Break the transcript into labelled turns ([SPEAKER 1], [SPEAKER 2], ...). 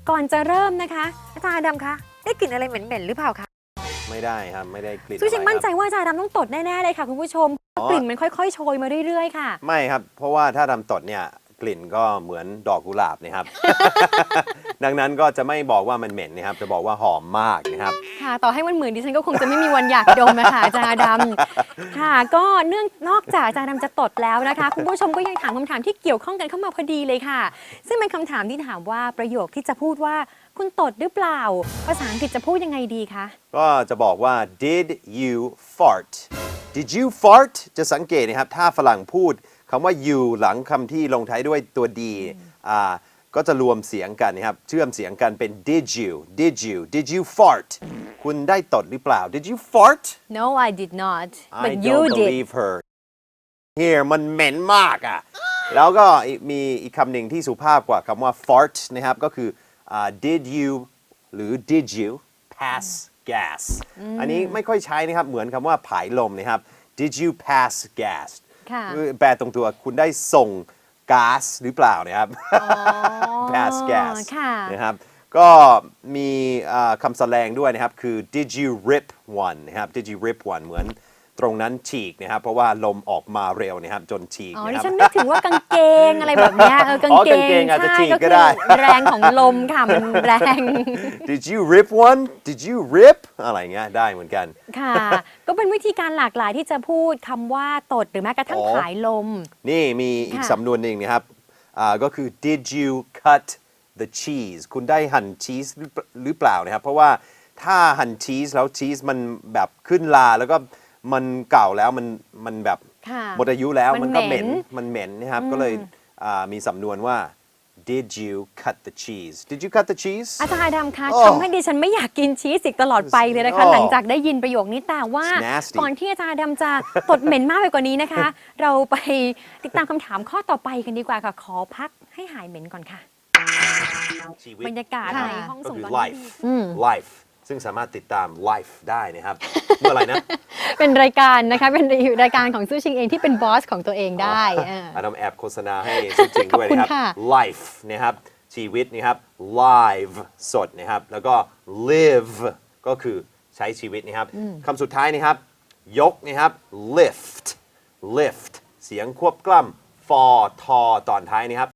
[SPEAKER 1] ก่อนจะเริ่มนะคะอาจารย์ดำคะได้กลิ่นอะไรเหม็นๆหรือเปล่าคะ
[SPEAKER 2] ไม่ได้ครับไม่ได้กลิ่น
[SPEAKER 1] ซึ่งฉันมั่นใจ
[SPEAKER 2] อะไรครับ
[SPEAKER 1] ว่าอาจารย์ดำต้องตดแน่ๆเลยค่ะคุณผู้ชมกลิ่นมันค่อยๆโชยมาเรื่อยๆค่ะ
[SPEAKER 2] ไม่ครับเพราะว่าถ้าดำตดเนี่ยกลิ่นก็เหมือนดอกกุหลาบนะครับ ดังนั้นก็จะไม่บอกว่ามันเหม็นนะครับจะบอกว่าหอมมากนะครับ
[SPEAKER 1] ค่ะต่อให้มันเหมือนดิฉันก็คงจะไม่มีวันอยากดมนะคะอาจารย์ดำค่ะก็นอกจากอาจารย์ดำจะตดแล้วนะคะคุณผู้ชมก็ยังถามคำถามที่เกี่ยวข้องกันเข้ามาพอดีเลยค่ะซึ่งเป็นคำถามที่ถามว่าประโยคที่จะพูดว่าคุณตดหรือเปล่าภาษาอังกฤษจะพูดยังไงดีคะ
[SPEAKER 2] ก็จะบอกว่า did you fart did you fart จะสังเกตนะครับถ้าฝรั่งพูดคำว่า you หลังคำที่ลงท้ายด้วยตัว d ก็จะรวมเสียงกันนะครับเชื่อมเสียงกันเป็น did you fart คุณได้ตดหรือเปล่า did you fart
[SPEAKER 1] No I did not
[SPEAKER 2] I
[SPEAKER 1] but you
[SPEAKER 2] don't
[SPEAKER 1] did
[SPEAKER 2] believe her here มันเหม็นมากอ่ะแล้วก็มีอีกคำหนึ่งที่สุภาพกว่าคำว่า fart นะครับก็คือdid you หรือ did you pass gas อันนี้ไม่ค่อยใช้นะครับเหมือนคำว่าผายลมนะครับ did you pass gas แปลตรงตัวคุณได้ส่งก๊าซหรือเปล่านะครับ pass gas นะครับก็มีคำแสดงด้วยนะครับคือ did you rip one นะครับ did you rip one เหมือนตรงนั้นฉีกนะครับเพราะว่าลมออกมาเร็วนะครับจนฉีก
[SPEAKER 1] ดิ
[SPEAKER 2] นะครับ
[SPEAKER 1] ฉันนึกถึงว่ากางเกงอะไรแบบนี้กางเกง
[SPEAKER 2] อาจจะฉีก
[SPEAKER 1] ใช่ก็คือ
[SPEAKER 2] ก็ได้
[SPEAKER 1] แรงของลมค่ะมันแรง
[SPEAKER 2] Did you rip one Did you rip อะไรเงี้ยได้เหมือนกัน
[SPEAKER 1] ค่ะก็เป็นวิธีการหลากหลายที่จะพูดคำว่าตดหรือแม้กระทั่งผายลม
[SPEAKER 2] นี่มีอีกสำนวนหนึ่งนะครับก็คือ Did you cut the cheese คุณได้หั่นชีสหรือเปล่านะครับเพราะว่าถ้าหั่นชีสแล้วชีสมันแบบขึ้นลาแล้วก็มันเก่าแล้วมันแบบหมดอายุแล้วมันก็เหม็นนะครับก็เลยมีสำนวนว่า Did you cut the cheese Did you cut the cheese
[SPEAKER 1] อาจารย์ดำคะทำให้ดิฉันไม่อยากกินชีสอีกตลอดไปเลยนะคะหลังจากได้ยินประโยคนี้แต่ว่าก่อนที่อาจารย์ดำจะตดเหม็นมากไปกว่านี้นะคะ เราไปติดตามคำถามข้อต่อไปกันดีกว่าค่ะขอพักให้หายเหม็นก่อนค่ะบรรยากาศในห้องส่งตอนนี้
[SPEAKER 2] life ซึ่งสามารถติดตาม live ได้นะครับ เมื่อไรนะ
[SPEAKER 1] เป็นรายการนะคะเป็นรายการของซู่ชิงเองที่เป็นบอสของตัวเองได้
[SPEAKER 2] อันนั้นแอบโฆษณาให้ซู่ชิงด้วยนะครับ life นะครับชีวิตนะครับ live สดนะครับแล้วก็ live ก็คือใช้ชีวิตนะครับคำสุดท้ายนะครับยกนะครับ lift เสียงควบกล้ำฟอทอตอนท้ายนะครับ